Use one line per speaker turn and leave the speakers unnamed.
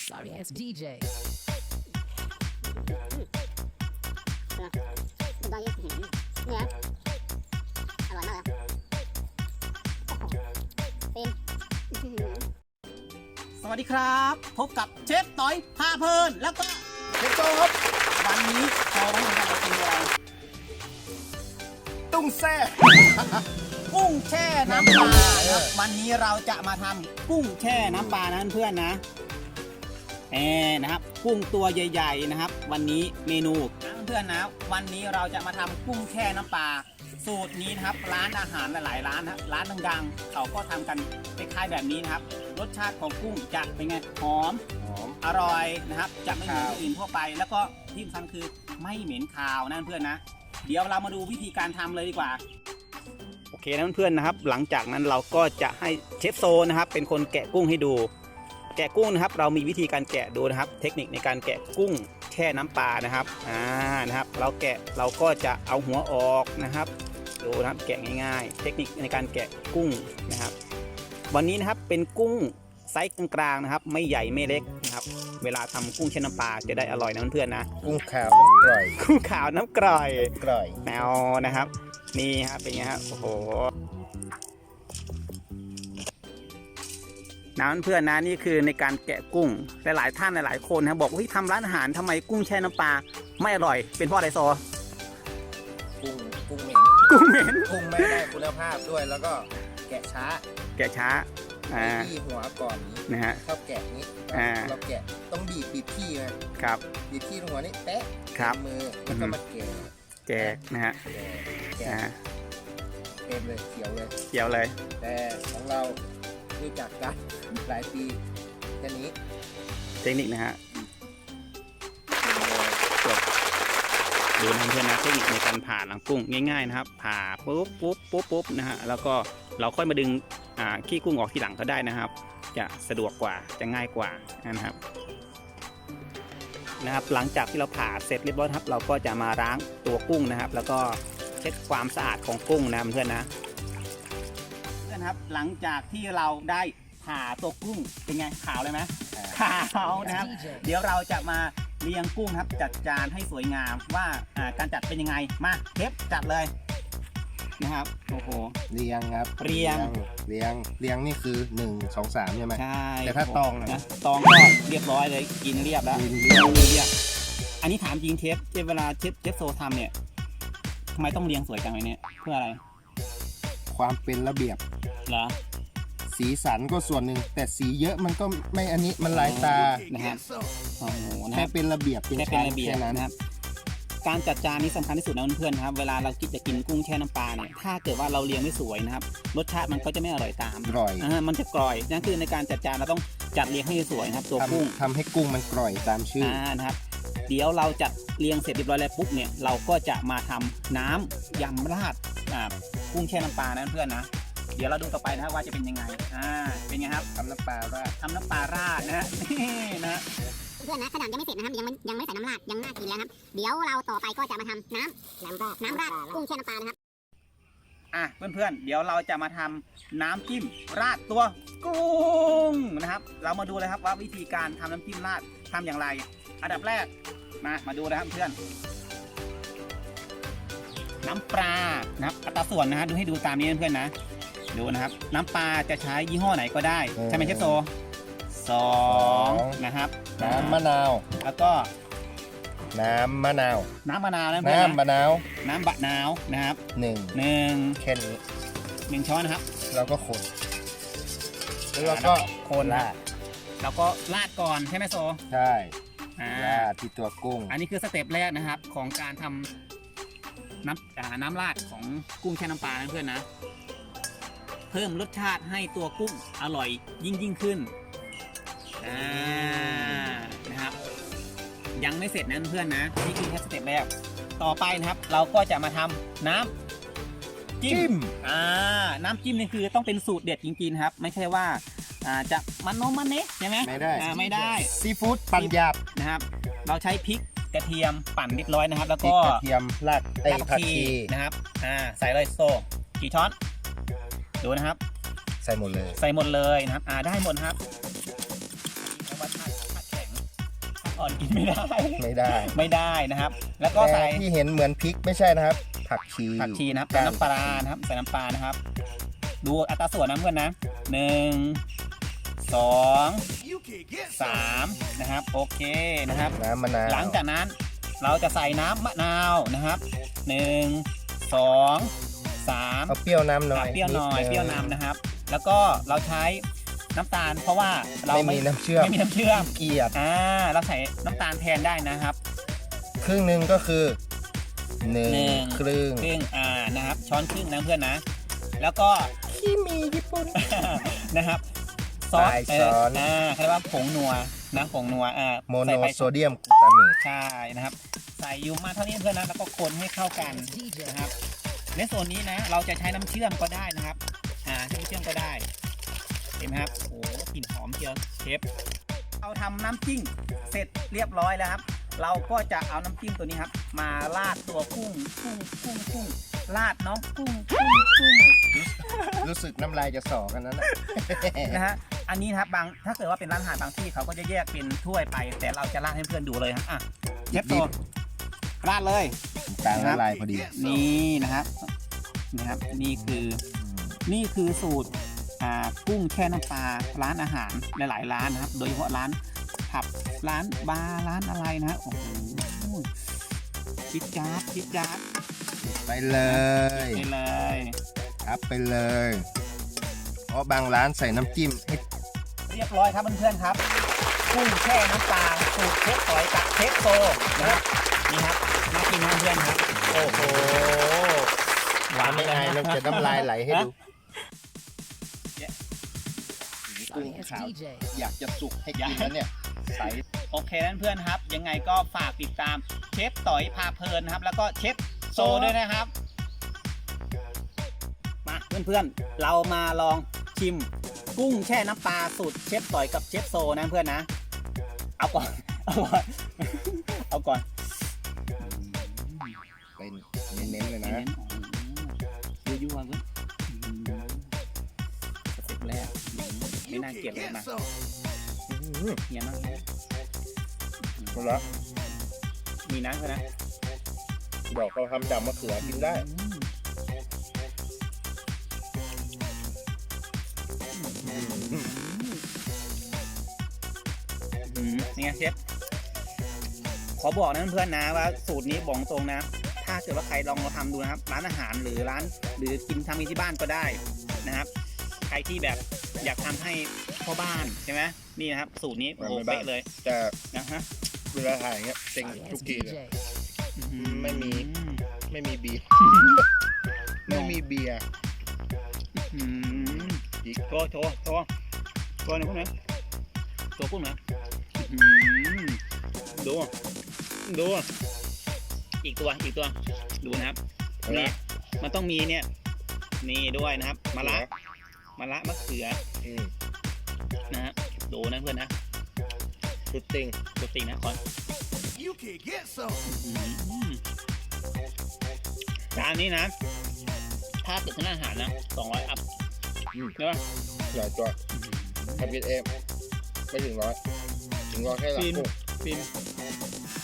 Sorry ass DJ.
ได้ยังเนี่ยอร่อยมากเลยเป็น
สวัสดีครับพบกับเชฟต้อยพาเพลินแล้วก็
เชฟโตครับ
วันนี้เราต้องทำอะไรกินอะไร
ตุ้งแซ่
กุ้งแช่น้ำปลาครับวันนี้เราจะมาทำกุ้งแช่น้ำปลานะเพื่อนๆนะนะครับกุ้งตัวใหญ่ๆนะครับ วันนี้เมนูนะเพื่อนๆนะวันนี้เราจะมาทำกุ้งแช่น้ำปลาสูตรนี้นะครับร้านอาหารหลายๆร้านนะร้านดังๆเขาก็ทำกันคล้ายๆแบบนี้นะครับรสชาติของกุ้งจะเป็นไงหอม อร่อยนะครับจะไม่เหมือนที่อื่นทั่วไป แล้วก็ที่สำคัญคือไม่เหม็นคาวนะเพื่อนนะเดี๋ยวเรามาดูวิธีการทำเลยดีกว่าโอเคนะเพื่อนๆนะครับหลังจากนั้นเราก็จะให้เชฟโซนะครับเป็นคนแกะกุ้งให้ดู แกะกุ้งนะครับเรามีวิธีการแกะดูนะครับเทคนิคในการแกะกุ้งแช่น้ำปลานะครับนะครับเราก็จะเอาหัวออกนะครับดูนะครับแกะง่ายๆเทคนิคในการแกะกุ้งนะครับวันนี้นะครับเป็นกุ้งไซส์กลางๆนะครับไม่ใหญ่ไม่เล็กนะครับเวลาทำกุ้งแช่น้ำปลาจะได้อร่อยนะเพื่อนๆนะ
กุ้งขาวน้ำกร่อย
กุ้งขาวน้ำกร่อย
กร่อย
แนวนะครับนี่ครับเป็นไงครับโอ้โหนะเพื่อนๆนะนี่คือในการแกะกุ้งหลายๆท่านหลายๆคนนะบอกว่าทำร้านอาหารทำไมกุ้งแช่น้ำปลาไม่อร่อยเป็นเพราะอะไรซอ
กุ้งเหม็น
กุ้งเหม็น
กุ้งไม่ได้คุณภาพด้วยแล้วก็แกะช้า
แกะช้า
ที่หัวก่อนนี้
นะฮะ
ชอบแกะนี้เราแกะต้องบีบที่นะครับ บีบที่หัวนี่แตะ
ครับ
มือแล้วก็มาแกะ
แกะนะฮะ
แกะเต็มเลยเขียวเลย
เกี่ยวเลย
แต่ของเรารู้จักกันหลายปีแค่นี้
เทคนิคนะฮะจบดูนะเพื่อนๆนะเทคนิคในการผ่าหลังกุ้งง่ายๆนะครับผ่าปุ๊บนะฮะแล้วก็เราค่อยมาดึงขี้กุ้งออกทีหลังก็ได้นะครับ จะสะดวกกว่าจะง่ายกว่านะครับหลังจากที่เราผ่าเสร็จเรียบร้อยครับเราก็จะมาล้างตัวกุ้งนะครับ แล้วก็เช็ดความสะอาดของกุ้งนะเพื่อนๆนะครับหลังจากที่เราได้ผ่าตัวกุ้งเป็นไงขาวเลยไหมขาวนะครับ เดี๋ยวเราจะมาเรียงกุ้งครับจัดจานให้สวยงามว่าการจัดเป็นยังไงมาเทปจัดเลยนะครับโอ้โห
เรียงครับ
เรียง
เรียงนี่คือ1 2 3ใช่ไหม
ใช่
แต่ถ้าตองนะ
ตองก็เรียบร้อยเลยกินเรียบแล้ว
กินเรียบ
เรียบอันนี้ถามจริงเทปเวลาเชฟโซทำเนี่ยทำไมต้องเรียงสวยจังเลยเนี่ยเพื่ออะไร
ความเป็นระเบียบ
เหรอ
สีสันก็ส่วนหนึ่งแต่สีเยอะมันก็ไม่อันนี้มันลายตา
นะครับโอ้โหนะค
แค่
รับ
เป็นระเบียบเป็น
แค่เป็น
ชั้น
ระเบียบ
แค่นั้น
นะครับการจัดจานนี้สำคัญที่สุดนะเพื่อนๆนะครับเวลาเราคิดจะกินกุ้งแช่น้ำปลาเนี่ยถ้าเกิดว่าเราเรียงไม่สวยนะครับรสชาติมันก็จะไม่อร่อยตาม
กร่อย
มันจะกร่อยนั่นคือในการจัดจานเราต้องจัดเรียงให้สวยนะครับตัวกุ้ง
ทำให้กุ้งมันกร่อยตามชื่อ
นะครับเดี๋ยวเราจัดเรียงเสร็จเรียบร้อยแล้วปุ๊บเนี่ยเราก็จะมาทำน้ำยำราดกุ้งแช่น้ำปลานะเพื่อนๆนะเดี๋ยวเราดูต่อไปนะครับว่าจะเป็นยังไงเป็นไงครับ
ทำน้ำปลาราด
ทำน้ำปลาราดนะฮะนี่นะ
เพื่อนนะขนาดยังไม่เสร็จนะครับยังไม่ใส่น้ำราดยังน่ากินแล้วครับเดี๋ยวเราต่อไปก็จะมาทำน้ำราดกุ้งแช่น้ำปลานะครับ
เพื่อนๆเดี๋ยวเราจะมาทำน้ำจิ้มราดตัวกุ้งนะครับเรามาดูเลยครับว่าวิธีการทำน้ำจิ้มราดทำอย่างไรอันดับแรกมาดูนะครับเพื่อนน้ำปลานะครับอัตราส่วนนะฮะดูให้ดูตามนี้เพื่อนๆนะดูนะครับน้ำปลาจะใช้ยี่ห้อไหนก็ได้ใช่ไหมเชฟโซ2นะครับ
น้ำมะนาว
แล้วก็
น้ำมะนาว
น้ำมะนาวนะเพื่อน
น้ำมะนาว
น้ำบะนาวนะครับ
1แค่นี้
1ช้อนนะครับ
เราก็คนแล้วเราก็
คนราดแล้วก็ราดก่อนใช่ไหมโซ
ใช่
ราด
ที่ตัวกุ้ง
อันนี้คือสเต็ปแรกนะครับของการทำน้ำราดของกุ้งแช่น้ำปลานะเพื่อนนะเพิ่มรสชาติให้ตัวกุ้งอร่อยยิ่งขึ้นนะครับยังไม่เสร็จนะเพื่อนนะนี่คือแค่สเต็ปแรกต่อไปนะครับเราก็จะมาทำน้ำจิ้มน้ำจิ้มนี่คือต้องเป็นสูตรเด็ดจริงๆครับไม่ใช่ว่าจะมันโนมันเนะใช่ไหม
ไม่ได้
ไม่ได้
ซีฟู้ดปั่นหยาบ
นะครับเราใช้พริกกระเทียมปั่นเรียบร้อยนะครับแล้ว
พริ
ก็
กกระเทียมราก
ราก
ผัก
ชี
ชี
นะครับใส่เลยโซกี่ช้อนดูนะครับ
ใส่หมดเลย
ใส่หมดเลยนะครับได้หมดนะครับแล้วว่าถ้าแข็งอ่อนกินไม่ได้
ไม่ได้
ไม่ได้นะครับ แล้วก็ใส่
แต่ที่เห็นเหมือนพริกไม่ใช่นะครับ ผักชี
ผักชีนะครับใส่น้ำปลานะครับใส่น้ำปลานะครับ ดูอัตราส่วนนะเพื่อนนะ1 2 3นะครับโอเคนะครับ
น้ำมะนาว
หลังจากนั้นเราจะใส่น้ำมะนาวนะครับ1 2 3
เอาเปรี้ยวนำหน่อย
เปรี้ยวหน่อย
ดง
เปรี้ยวนำนะครับ แล้วก็เราใช้น้ำตาลเพราะว่าเรา
ไม่มีน้ำเชื่อม
ไม่มีน้ำเชื่อม
เกลียด
เราใส่น้ำตาลแทนได้นะครับ
ครึ่งหนึ่งก็คือหนึ่ง
หนึ่ง
ครึ่ง
ครึ่งนะครับช้อนครึ่งนะเพื่อนนะ แล้วก็
ที่มีญี่ปุ่น
นะครับซอส
ปลายช้อน
เขาเรียกว่าผงนัวนะผงนัว
โมโน
ใส่ไป
โซเดียมกลูตาเมต
ใช่นะครับ ใส่อยู่มาเท่านี้เพื่อนนะแล้วก็คนให้เข้ากันนะครับในส่วนนี้นะเราจะใช้น้ำเชื่อมก็ได้นะครับใช้น้ำเชื่อมก็ได้เห็นไหมครับโอ้กลิ่นหอมเชียวเชฟเราทำน้ำจิ้มเสร็จเรียบร้อยแล้วครับ เราก็จะเอาน้ำจิ้มตัวนี้ครับ มาราดตัวกุ้งราดน้องกุ้ง
รู้สึกน้ำลายจะสอกันนั้นนะ
นะฮะอันนี้นะครับถ้าเกิดว่าเป็นร้านอาหารบางที่เขาก็จะแยกเป็นถ้วยไป แต่เราจะราดให้เพื่อนดูเลยครับเชฟโตราดเลย
กลางละลายพอดี
นี่นะครับนี่คือสูตรกุ้งแช่น้ำปลาร้านอาหารหลายๆร้านนะครับโดยเฉพาะร้านผับร้านบาร์ร้านอะไรนะโอ้โหคิดจ๊าบ
ไปเลย
ไปเลย
ครับไปเลย เพราะบางร้านใส่น้ำจิ้มให้
เรียบร้อยครับเพื่อนๆครับกุ้งแช่น้ำปลาสูตรเชฟต่อยกับเชฟโซนะครับนี่ครับมากินเพื่อนๆครับโอ้โหหวาน
ไม่
เลย
อาย
นะ
เราจะน้ำลายไหลให้ดู กุ้ง
Sorry, it's
ขาว
DJ.
อยากจะสุกให้กินแล้วเนี่ยใส
โอเคนั้นเพื่อนครับ ยังไงก็ฝากติดตามเชฟต่อยพาเพลินนะครับ แล้วก็เชฟโซด้วยนะครับ มาเพื่อนๆ เรามาลองชิมกุ้งแช่น้ำปลาสูตรเชฟต่อยกับเชฟโซนะเพื่อนนะ เอาก่อน เอาก่อน
เป็นเน้นๆเลยนะ
ยั่วๆเพื่อนสเต็ปแรกไม่น่าเกลียดเลยนะเฮียมากเลย
หมดแล้ว
มีน้ำเพื่อนนะ
ดอกเขาทำดำมะเขือกินได้
นี่ไงเชฟขอบอกนะเพื่อนๆนะว่าสูตรนี้บอกตรงนะ ถ้าเกิดว่าใครลองมาทำดูนะครับร้านอาหารหรือกินทำที่บ้านก็ได้นะครับ ใครที่แบบอยากทำให้พ่อบ้านใช่ไหมนี่นะครับสูตรนี้โอ้โหเป๊ะเลย
แต่
นะฮะ
เวลาถ่ายเงี้ยเต็ง
Sorry,
ทุ
it's
กทีเลย
DJ.
ไม่มี เบียร์ ไม่มีเบียร์
โชว์หน่อยพวกนี้โชว์พวกนี้ดูอีกตัวดูนะครับนี่มันต้องมีเนี่ยนี่ด้วยนะครับมะระมะเขือนะฮะดูนะเพื่อนนะ
ชุดติง
ตัวติ่งนะก่อนจานนี้นะถ้าเกิดเป็นอาหารนะ200อัพใช่ป่ะ
หลายตัวทำกินเองไม่ถึง100 ถึง100แค่หลักกุ้ง
ฟิน